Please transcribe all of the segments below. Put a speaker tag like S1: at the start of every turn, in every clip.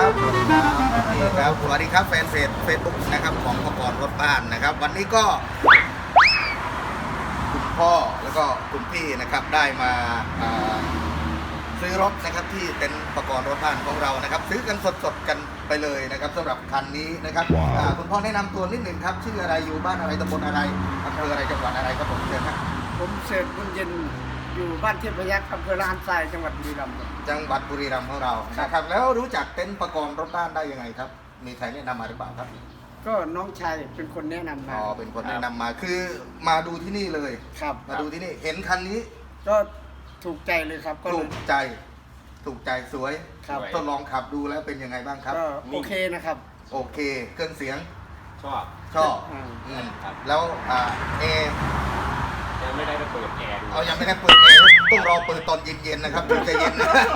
S1: ครับสวัสดีครับนี่ครับสวัสดีครับแฟนเพจเฟซบุ๊กนะครับของประกรณ์รถบ้านนะครับวันนี้ก็คุณพ่อแล้วก็คุณพี่นะครับได้มาซื้อรถนะครับที่เต็นท์ประกรณ์รถบ้านของเรานะครับซื้อกันสดๆกันไปเลยนะครับสำหรับคันนี้นะครับคุณพ่อแนะนำตัวนิดหนึ่งครับชื่ออะไรอยู่บ้านอะไรตำบลอะไรอำเภออะไรจังหวัดอะไรครับผมเชิญครับ
S2: ผมเสร็จบุญเย็นอยู่บ้านเทพยักษ์อำเภอลานทรายจังหวัดบุรีรัมย์
S1: จังหวัดบุรีรัมย์ของเรานะครับแล้วรู้จักเต็นท์ประกรณ์รถบ้านได้ยังไงครับมีใครแนะนำมาหรือเปล่าครับ
S2: ก็น้องชายเป็นคนแนะนำมา
S1: อ๋อเป็นคนแนะนำมาคือมาดูที่นี่เลย
S2: ครับ
S1: มาดูที่นี่เห็นคันนี้
S2: ก็ถูกใจเลยครับก็
S1: ถูกใจสวย
S2: ครับ
S1: ทดลองขับดูแล้วเป็นยังไงบ้างครับ
S2: ก็โอเคนะครับ
S1: โอเคเครื่องเสียง
S3: ชอบ
S1: แล้วเอ
S3: ยังไม่ได้ไปเปิดแอร์ดู
S1: ยังไม่ได้เปิดเอต้องรอเปิดตอนเย็นๆนะครับถึงจะเย็น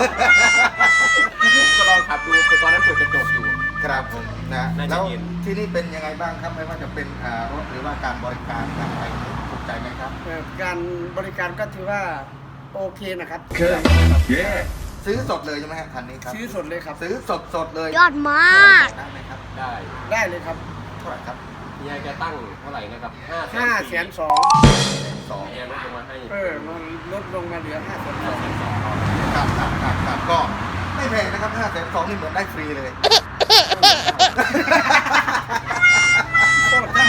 S3: ก็ลองขับดูแต่ตอนนั้นเปิดกระจกอยู่
S1: ครับผมนะแล้วที่นี่เป็นยังไงบ้างครับไม่ว่าจะเป็นรถหรือว่าการบริการการอะไรถูกใจไหมครับ
S2: การบริการก็ถือว่าโอเคนะครับ
S1: ซื้อสดเลยใช่ไหมครับคันนี้ครับ
S2: ซื้อสดเลยครับ
S1: ซื้อสดเลย
S4: ยอดมาก
S1: ได้ไหมครับ
S2: ได้เลยครับ
S1: เท่าไหร่ครับ
S3: เฮียแกตั้งเท่าไหร่นะครับ
S2: 500,002
S3: เฮียลดลงมาให้
S2: มันลดลงมาเหลือ502
S1: ครับก็ไม่แพงนะครับ502นี่เหมือนได้ฟรีเลย
S2: ถ้า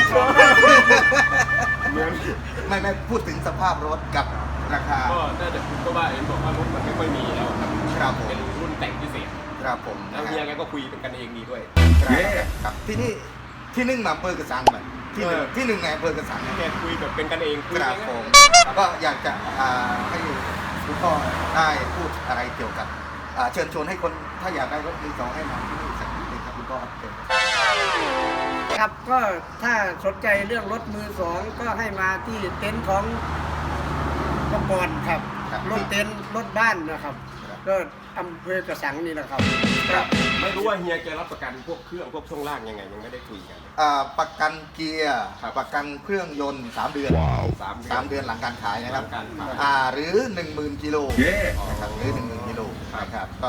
S2: 502
S1: ไม่พูดถึงสภาพรถกับราคา
S3: ก็น่าจะก็ว่าเอ็นบอกว่ารถมันไม่ค่อยมีแล้ว
S1: ครับผม
S3: เป็นรุ่นแต่งพิเศษ
S1: ครับผม
S3: แล้วเฮียแกก็คุยเป็นกันเองดีด้วย
S1: ครับที่นี่ที่นึ่งมาอำเภอกระสังเหมือนที่หนึ่งในอำเภอกระสัง
S3: แกคุยแบบเป็นกันเองคุย
S1: ครับผมก็อยากจะให้คุณพ่อได้พูดอะไรเกี่ยวกับเชิญชวนให้คนถ้าอยากได้รถมือสองให้มาที่นี่สักนิดนึงครับคุณพ่อครับเชิญ
S2: ครับก็ถ้าสนใจเรื่องรถมือสองก็ให้มาที่เต็นท์ของประกรณ์ครับรถเต็นท์รถบ้านนะครับก็อำเภอกระสังนี่แหละครับ
S3: ไม่รู้ว่าเฮียแกรับประกันพวกเครื่องพวกช่วงล่างยังไงยังไม่ได้คุยกัน
S1: ประกันเกียร์ประกันเครื่องยนต์3 เดือน3 เดือนหลังการขายนะครับหรือ 10,000 กิโลนะครับหรือ 10,000 กิโลนะครับก็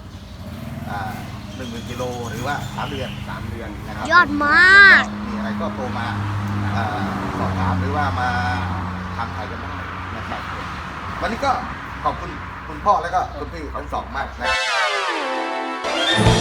S1: 10,000 กิโลหรือว่า3 เดือนนะครับ
S4: ยอดมาก
S1: มีอะไรก็โทรมาสอบถามหรือว่ามาทำขายกันได้นะครับวันนี้ก็ขอบคุณคุณพ่อแล้วก็คุณพี่ทั้งสองมากนะครับ